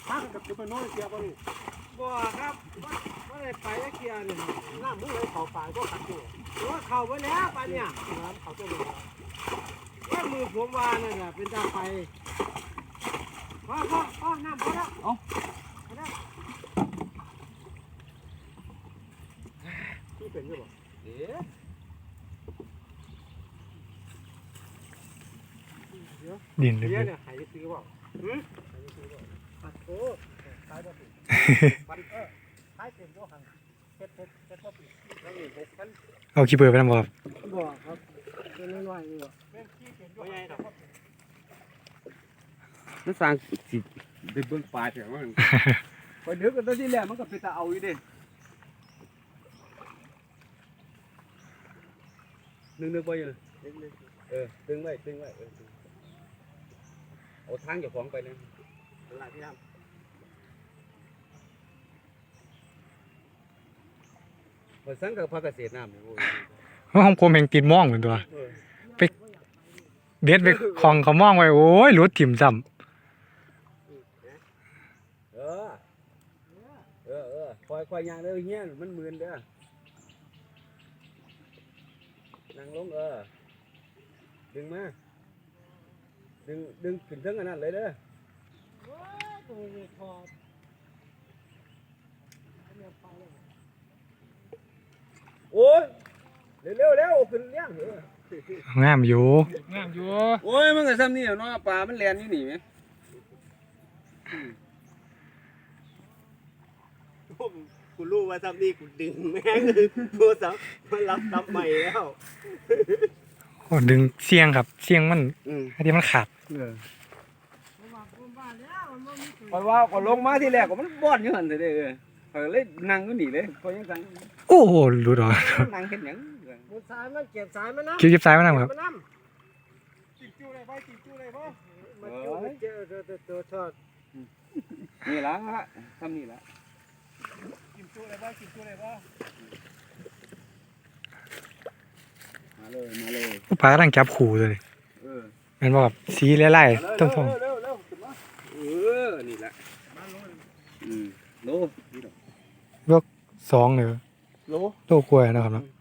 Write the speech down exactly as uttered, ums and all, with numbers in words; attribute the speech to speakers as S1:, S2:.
S1: ถ้ากับจะไปโน้ยเกียร์บ่นี่บ่ครับว่าว่าได้ไปแล้วเกียร์นี่น้ำมึงเลยเขาฝ่ายก็ขัดอยู่ว่าเขาไปแล้วไปเนี่ยน้ำเขาจะเลยว่ามือผมวาเนี่ยแหละเป็นตาไปพ่อพ่อพ่อน้ำพอแล้วเอาพอแล้วที่เป็นยังไงเอ๊ะ
S2: ดินเลย
S1: เนี่ยหายซื้อเปล่าหืมหายซื้อเปล่าปัดโอ้ขายบ่ปิดปัดเออขายเต็มตัวหังเฮ็ดเฮ็ดเฮ็ดบ่ปิดแล้วนี่หกพัน
S2: เอาขี้เปิดไปทำบ่ครับ
S1: บ่ครับเป็นน้อยๆนี่บ่เป็นขี้เต็มตัวใหญ่ดอกมันสร้างสิได้เบิ่งปลาแถวมันพอดึกกันตอนที่แรกมันก็เป็นตาเอาอยู่เด้นึกๆบ่อยู่เออดึงไว้ดึงไว้เออเอาทางเจ้าของไปเลยตลาดที่ทำเปิดสังกับภาคเกษตรน้ำนี่โอ้ย
S2: ห้องผมเองติดม่องเหมือนตัวไปเด็ดไปคลองเขาม่องไว้โอ้ยรถถิ่มซ้ำ
S1: เออเออเออคอยคอยยางเด้อเฮียมันหมื่นเด้อนั่งลงเออดึงมาดึงดึงขึ้นเทิงอันนั้นเลยเด้อโอ้ยเร็วเร็วเร็วขึ้นเลี้ยงเออง
S2: ามอยู่
S3: งามอยู่
S1: โอ้ยมันก็ซ้ำนี่เนาะปลามันแล่นอยู่นี่แหมกูรู้ว่าซ้ำนี่กูดึงแม่งโทรศัพท์มันรับรับใหม่แล้ว
S2: โอ้ดึงเสียงครับเสียงมัน
S1: อืม
S2: อันนี้มันขาด
S1: คอยว่าก็ลงมาที่แรกก็มันบ่อนอยู่หั่นเด้อเออคอยเลยนั่งอยู่นี่เลยคอยยังสั่ง
S2: โอ้โหรู้ดอก
S1: นั่งเฮ็ดหยัง
S4: มันสายมันเก็บสายมันน้ำ
S2: คิวจิบซ้ายมานั่งครับ
S4: มันน้ำ
S1: จิ้มจู้ได้บ่จิ้มจู้ได้บ่
S4: มันอยู่มันเจอตัวตัวตัวทอด
S1: นี่ล่ะทำนี่ล่ะ
S3: กินจุเลยบ่กินจุเลยบ่
S1: มาเลยมาเลย
S2: ผู้ปลากำลังจับขู่เลย
S1: เออ
S2: แมันบอกแบบสีไล่ๆต้องทอง
S1: เร็วๆเร็วๆขึ้นมาเออนี่ล่ะมาโลอืมโลนี่ดอก
S2: สองเลย
S1: โล
S2: โลกล้วยนะครับเนาะ